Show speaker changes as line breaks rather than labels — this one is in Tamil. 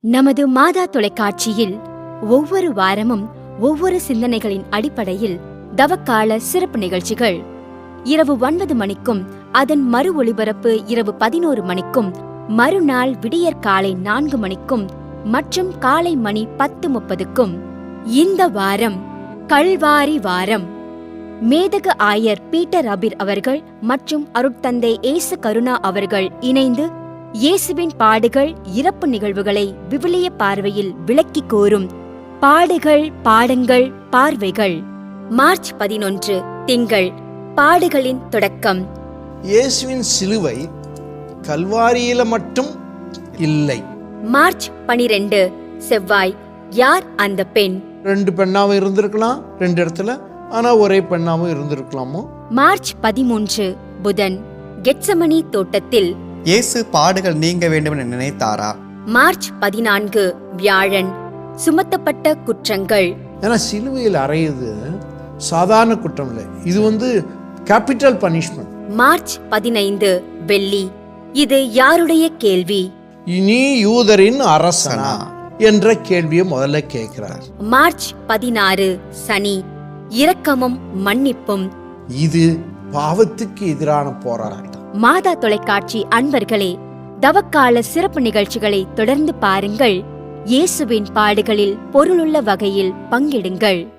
நமது மாதா தொலைக்காட்சியில் ஒவ்வொரு வாரமும் ஒவ்வொரு சிந்தனைகளின் அடிப்படையில் தவக்கால சிறப்பு நிகழ்ச்சிகள் இரவு 9 மணிக்கும் அதன் மறு ஒளிபரப்பு இரவு 11 மணிக்கும் மறுநாள் விடியற்காலை 4 மணிக்கும் மற்றும் காலை மணி 10:30க்கும். இந்த வாரம் கல்வாரி வாரம். மேதகு ஆயர் பீட்டர் அபிர் அவர்கள் மற்றும் அருட்தந்தை ஏசு கருணா அவர்கள் இணைந்து இயேசுவின் பாடுகள் இறப்பு நிகழ்வுகளை விவிலிய பார்வையில் விளக்கி கூறும் பாடுகள் பாடங்கள் பார்வைகள். மார்ச் 11 திங்கள். பாடுகளின் தொடக்கம்.
இயேசுவின் சிலுவை கல்வாரியில மட்டும் இல்லை.
மார்ச் 12 செவ்வாய். யார் அந்த பெண்?
2 பெண்ணாவும் இருந்திருக்கலாம் 2 இடத்துல, ஆனா ஒரே பெண்ணாவும் இருந்திருக்கலாமோ.
மார்ச் 13 புதன். கெத்சமனி தோட்டத்தில்
இயேசு பாடுகள் நீங்க வேண்டும் என நினைத்தாரா?
மார்ச் 14 வியாழன். சுமத்தப்பட்ட குற்றங்கள்.
ஏன்னா சிலுவையில் அறையுது சாதாரண குற்றம் இல்லை, இது கேபிட்டல் பனிஷ்மெண்ட்.
மார்ச் 15 வெள்ளி. இது யாருடைய கேள்வி?
இனி யூதரின் அரசனா என்ற கேள்வியை முதல்ல கேட்கிறார்.
மார்ச் 16 சனி. இரக்கமும் மன்னிப்பும்.
இது பாவத்துக்கு எதிரான போராட்டம்.
மாதா தொலைக்காட்சி அன்பர்களே, தவக்கால சிறப்பு நிகழ்ச்சிகளை தொடர்ந்து பாருங்கள். இயேசுவின் பாடுகளில் பொருளுள்ள வகையில் பங்கெடுங்கள்.